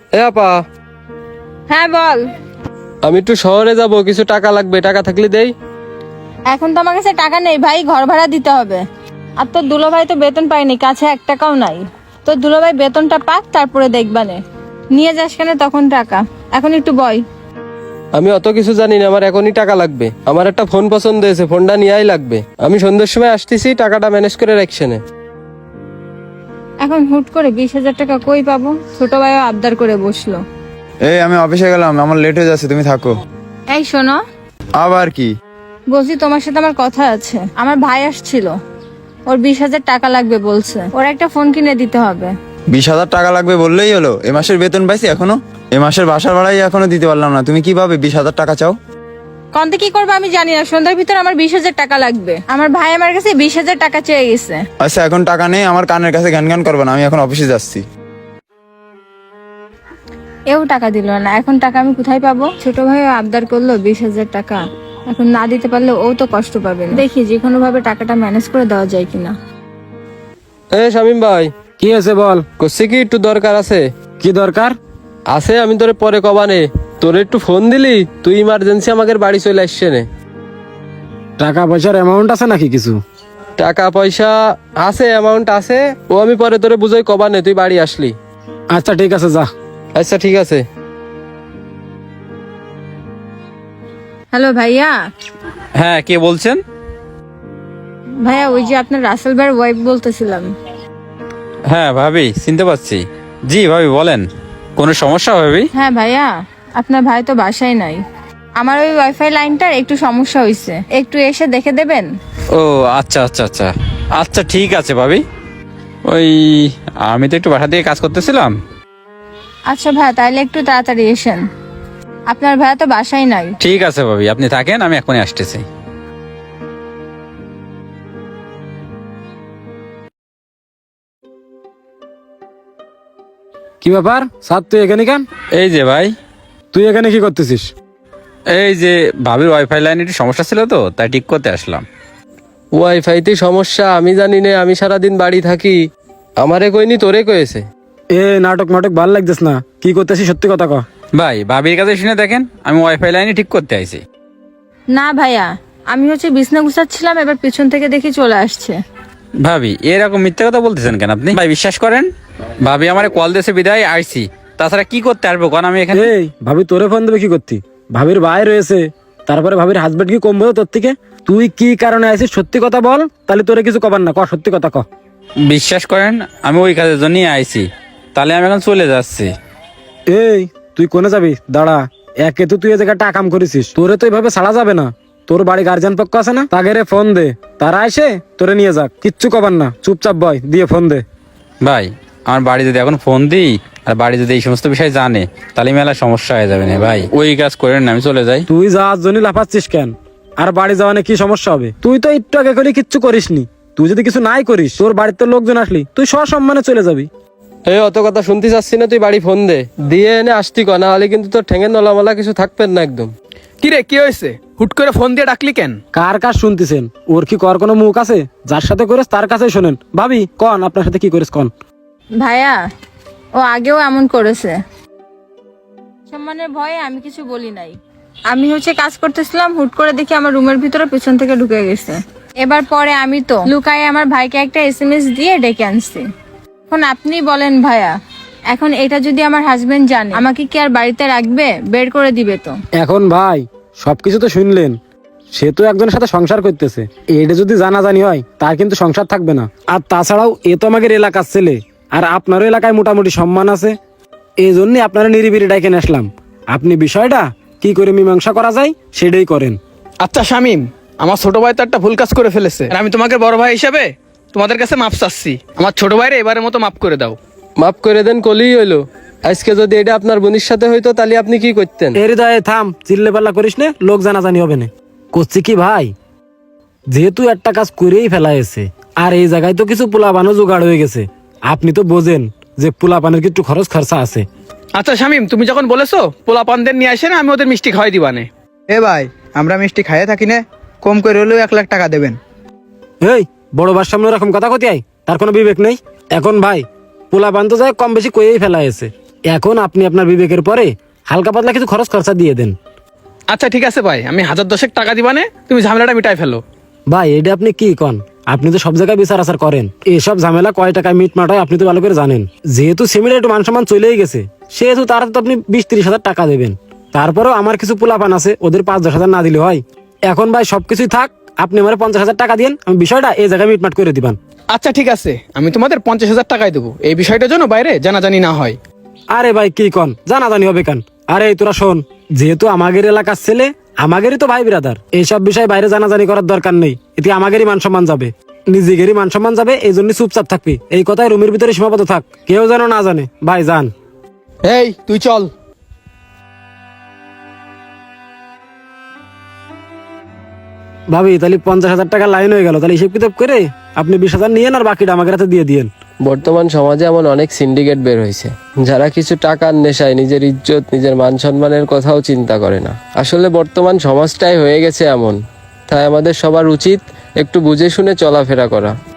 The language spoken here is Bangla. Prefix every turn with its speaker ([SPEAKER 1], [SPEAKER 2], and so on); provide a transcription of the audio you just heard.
[SPEAKER 1] এ আপা,
[SPEAKER 2] হ্যাঁ বল।
[SPEAKER 1] আমি একটু শহরে যাব, কিছু টাকা লাগবে, টাকা থাকলে দেই।
[SPEAKER 2] এখন তো আমার কাছে টাকা নেই ভাই, ঘর ভাড়া দিতে হবে। আর তোর দুলোভাই তো বেতন পায়নি, কাছে 1 টাকাও নাই। তোর দুলোভাই বেতনটা পাক, তারপরে দেখবানে নিয়ে যাস কেন তখন টাকা। এখন একটু বয়।
[SPEAKER 1] আমি অত কিছু জানি না, আমার এখনই টাকা লাগবে। আমার একটা ফোন পছন্দ হয়েছে, ফোনটা নিয়েই লাগবে। আমি সন্ধ্যের সময় আসতেছি, টাকাটা ম্যানেজ করে রাখছেনে।
[SPEAKER 2] এখন হুট করে 20,000 টাকা কই পাবো? ছোট ভাইও আবদার করে বসলো।
[SPEAKER 3] এই আমি অফিসে গেলাম, আমার লেট হয়ে যাচ্ছে, তুমি থাকো।
[SPEAKER 2] এই শোনো,
[SPEAKER 3] আবার কি?
[SPEAKER 2] বলছি তোমার সাথে আমার কথা আছে। আমার ভাই আসছিল, ওর 20,000 টাকা লাগবে বলছে। ওর একটা ফোন কিনে দিতে হবে।
[SPEAKER 3] 20,000 টাকা লাগবে বললেই হলো? এ মাসের বেতন পাইছি এখনো, এ মাসের বাসার ভাড়াই এখনো দিতে পারলাম না, তুমি কিভাবে 20,000 টাকা চাও?
[SPEAKER 2] কন্তে কি করবো আমি জানি না, সন্ধ্যার ভিতর আমার 20,000 টাকা লাগবে। আমার ভাই আমার কাছে 20,000 টাকা চেয়ে গেছে।
[SPEAKER 3] আচ্ছা এখন টাকা নেই, আমার কানের কাছে গান গান করবে না, আমি এখন অফিসে যাচ্ছি।
[SPEAKER 2] এও টাকা দিল না, এখন টাকা আমি কোথায় পাবো? ছোট ভাইও আবদার করলো 20,000 টাকা, এখন না দিতে পারলে ও তো কষ্ট পাবে না। দেখি যে কোনো ভাবে টাকাটা ম্যানেজ করে দেওয়া যায় কিনা।
[SPEAKER 1] এ শামিম ভাই,
[SPEAKER 4] কি আছে বল।
[SPEAKER 1] করছি কি, একটু দরকার আছে।
[SPEAKER 4] কি দরকার?
[SPEAKER 1] আছে, আমি তোরে পরে কবানে। তোরে একটু ফোন দিলি, তুই ইমার্জেন্সি আমাদের বাড়ি চলে আসছে নে।
[SPEAKER 4] টাকা পয়সার অ্যামাউন্ট আছে নাকি কিছু?
[SPEAKER 1] টাকা পয়সা আছে, অ্যামাউন্ট আছে। ও আমি পরে তোরে বুঝাই কবানে, তুই বাড়ি আসলি।
[SPEAKER 4] আচ্ছা ঠিক আছে, যা।
[SPEAKER 1] আচ্ছা ঠিক আছে।
[SPEAKER 2] হ্যালো ভাইয়া।
[SPEAKER 5] হ্যাঁ, কে বলছেন?
[SPEAKER 2] ভাইয়া ওই যে আপনার রাসেল ভাইয়ের ওয়াইফ বলতেছিলাম।
[SPEAKER 5] হ্যাঁ ভাবি, চিনতে পারছি। জি ভাবি বলেন, কোনো সমস্যা ভাবি?
[SPEAKER 2] হ্যাঁ ভাইয়া, আপনার ভাই তো বাসায় নাই। আমার ওই ওয়াইফাই লাইনটার একটু সমস্যা হয়েছে, একটু এসে দেখে দেবেন?
[SPEAKER 5] ও আচ্ছা আচ্ছা আচ্ছা আচ্ছা, ঠিক আছে ভাবি। ওই আমি তো একটু বাসা থেকে কাজ করতেছিলাম।
[SPEAKER 2] আচ্ছা ভাইয়া, তাইলে একটু তাড়াতাড়ি এসেন, আপনার ভাইয়া তো বাসায় নাই।
[SPEAKER 5] ঠিক আছে ভাবি, আপনি থাকেন, আমি এখনই আসতেছি।
[SPEAKER 4] কি ব্যাপার স্যার, তুই এখানে কেন?
[SPEAKER 5] এই যে ভাই,
[SPEAKER 4] তুই এখানে কি করতেছিস?
[SPEAKER 5] এই যে ভাবির ওয়াইফাই লাইনে একটু সমস্যা ছিল তো, তাই ঠিক করতে আসলাম।
[SPEAKER 1] ওয়াইফাইতে সমস্যা? আমি জানি না, আমি সারাদিন বাড়ি থাকি। আমারে কইনি, তোরে কয়েছে।
[SPEAKER 4] এ নাটক নাটক ভাল লাগতেছ না, কি করতেছিস সত্যি কথা ক।
[SPEAKER 5] ভাই ভাবির কাছে শুনে দেখেন, আমি ওয়াইফাই লাইনে ঠিক করতে আইছি।
[SPEAKER 2] না ভাইয়া, আমি হচ্ছে বিছনা গুছাচ্ছিলাম, এবার পিছন থেকে দেখি চলে আসছে।
[SPEAKER 5] ভাবি এরকম মিথ্যা কথা বলতেছেন কেন আপনি? ভাই বিশ্বাস করেন, ভাবি আমার কল দিয়েছে বিদায় আইছি, তাছাড়া কি করতে আসবো কারণ আমি এখানে।
[SPEAKER 4] এই ভাবি তোরে ফোন দেবে কি করতি? ভাবির ভাই রয়েছে, তারপরে ভাবির হাজবেন্ড কি কমবে তোর থেকে? তুই কি কারণে আইছিস সত্যি কথা বল, তাহলে তোরে কিছু কবার না, ক সত্যি কথা ক।
[SPEAKER 5] বিশ্বাস করেন, আমি ওই কাজের জন্যই আইছি, তাহলে আমি এখন চলে যাচ্ছি।
[SPEAKER 4] এই তুই কোনে যাবি? দাঁড়া, একে তো তুই এ জায়গায় টাকাম করেছিস, তোরে তো এইভাবে ছাড়া যাবে না। তোর বাড়ি গার্জিয়ান পক্ষ আছে না, তাগেরে ফোন দে, তারা এসে তোরে নিয়ে যাক, কিচ্ছু কবার না, চুপচাপ বয়, দিয়ে ফোন দে।
[SPEAKER 5] ভাই আমার বাড়ি যদি এখন ফোন দিই আর বাড়ি যদি এই সমস্ত বিষয় জানে, তাহলে মেলা সমস্যা হয়ে যাবে না ভাই। ওই কাজ করেন না, আমি চলে যাই।
[SPEAKER 4] তুই যাওয়ার জন্য লাফাচ্ছিস কেন? আর বাড়ি যাওয়ানে কি সমস্যা হবে? তুই তো একটু আগে করে কিচ্ছু করিসনি। তুই যদি কিছু নাই করিস, তোর বাড়িতে লোকজন আসলি তুই সসম্মানে চলে যাবি।
[SPEAKER 1] এই অত কথা শুনতে চাচ্ছি না, তুই বাড়ি ফোন দে, দিয়ে এনে আসতি ক, না হলে কিন্তু তোর ঠেঙে নলামলা কিছু থাকবেন না একদম।
[SPEAKER 6] কি রে, কি হয়েছে? হুট করে ফোন দিয়ে ডাকলি কেন?
[SPEAKER 4] কার কাজ শুনতেছেন? ওর কি কর কোনো মুখ আছে? যার সাথে করিস তার কাছেই শোনেন। ভাবি কন, আপনার সাথে কি করিস কন।
[SPEAKER 2] ভাইয়া ও আগেও এমন করেছে, সম্মানের ভয়ে আমি কিছু বলি নাই। আমি হচ্ছে কাজ করতেছিলাম, হুট করে দেখি আমার রুমের ভিতরে পেছন থেকে ঢুকে গেছে। এবার পরে আমি তো লুকায়ে আমার ভাইকে একটা SMS দিয়ে ডেকে আনছি। এখন আপনি বলেন ভাইয়া, এখন এটা যদি আমার হাজবেন্ড জানে, আমাকে কি আর বাড়িতে রাখবে? বের করে দিবে তো।
[SPEAKER 4] এখন ভাই সবকিছু তো শুনলেন, সে তো একজনের সাথে সংসার করতেছে, এটা যদি জানাজানি হয় তার কিন্তু সংসার থাকবে না। আর তাছাড়াও এ তো আমাদের এলাকার ছেলে, আর আপনারও এলাকায় মোটামুটি সম্মান আছে, এই জন্যই আপনারা নিরিবিলি ডাইকে আসলাম। আপনি বিষয়টা কি করে মীমাংসা করা যায় সেটাই করেন।
[SPEAKER 6] আচ্ছা শামিম, আমার ছোট ভাই তো একটা ভুল কাজ করে ফেলেছে, আর আমি তোমাকে বড় ভাই হিসেবে তোমাদের কাছে মাপ চাচ্ছি। আমার ছোট ভাইরে এবারের মতো মাফ করে দাও।
[SPEAKER 1] মাফ করে দেন কলেই হইলো। আজকে যদি এটা আপনার বোনের সাথে হইতো, তাহলে আপনি কি করতেন?
[SPEAKER 4] এর হৃদয়ে থাম, চিল্লে পাল্লা করিস না, লোক জানাজানি হবে না। করছি কি ভাই, যেহেতু একটা কাজ করেই ফেলা হয়েছে, আর এই জায়গায় তো কিছু পোলাপানও জোগাড় হয়ে গেছে, আপনি তো বোঝেন যে পোলাপানের কিছু খরচ খরচা আছে।
[SPEAKER 6] আচ্ছা শামিম, তুমি যখন বলেছো পোলা পানদের নিয়ে আসে না, আমি ওদের মিষ্টি খাওয়াই দিবানে।
[SPEAKER 7] এ ভাই, আমরা মিষ্টি খাইয়ে থাকি না, কম করে হলেও 1 লাখ টাকা দেবেন।
[SPEAKER 4] এই বড় বার সামনে ওরকম কথা কতি আয়, তার কোনো বিবেক নেই। এখন ভাই পোলাপান তো যায় কম বেশি কয়েই ফেলা হয়েছে, এখন আপনি আপনার বিবেকের পরে হালকা পাতলা কিছু খরচ খরচা দিয়ে দেন।
[SPEAKER 6] আচ্ছা ঠিক আছে ভাই, আমি 1010 টাকা দিবানে, তুমি ঝামেলাটা মিটাই ফেলো।
[SPEAKER 4] ভাই এটা আপনি কি কন? আপনি তো সব জায়গায় বিচার আচার করেন, এসব ঝামেলা কয় টাকায় মিটমাট হয় আপনি তো ভালো করে জানেন। যেহেতু সিমিলার একটু মান সম্মান চলেই গেছে, সেহেতু তার তো আপনি 20-30 হাজার টাকা দেবেন। তারপরেও আমার কিছু পোলাপান আছে, ওদের 5-10 হাজার না দিলে হয়। এখন ভাই সবকিছুই থাক, আপনি আমার 50 হাজার টাকা দিন, আমি বিষয়টা এই জায়গায় মিটমাট করে দিবান।
[SPEAKER 6] আচ্ছা ঠিক আছে, আমি তোমাদের 50,000 টাকাই দেবো, এই বিষয়টার জন্য বাইরে জানাজানি না হয়।
[SPEAKER 4] আরে ভাই কি কন, জানাজানি হবে কেন? আরে তোরা শোন, যেহেতু আমাদের এলাকার ছেলে, আমাদেরই তো ভাই বিরাদার, এইসব বিষয়ে বাইরে জানাজানি করার দরকার নেই। এতে আমাদেরই মান সম্মান যাবে, নিজেদেরই মান সম্মান যাবে, এই জন্য চুপচাপ থাকবি। এই কথাই রুমের ভিতরে সীমাবদ্ধ থাক, কেউ যেন না জানে। ভাই যান।
[SPEAKER 6] এই তুই চল।
[SPEAKER 4] ভাবি তাহলে 50 হাজার টাকা লাইন হয়ে গেল, তাহলে হিসেব কিতাব করে আপনি 20 হাজার নিয়েন আর বাকিটা আমাকে হাতে দিয়ে দিয়েন।
[SPEAKER 1] বর্তমান সমাজে এমন অনেক সিন্ডিকেট বের হয়েছে, যারা কিছু টাকার নেশায় নিজের ইজ্জত, নিজের মান সম্মানের কথাও চিন্তা করে না। আসলে বর্তমান সমাজটাই হয়ে গেছে এমন, তাই আমাদের সবার উচিত একটু বুঝে শুনে চলাফেরা করা।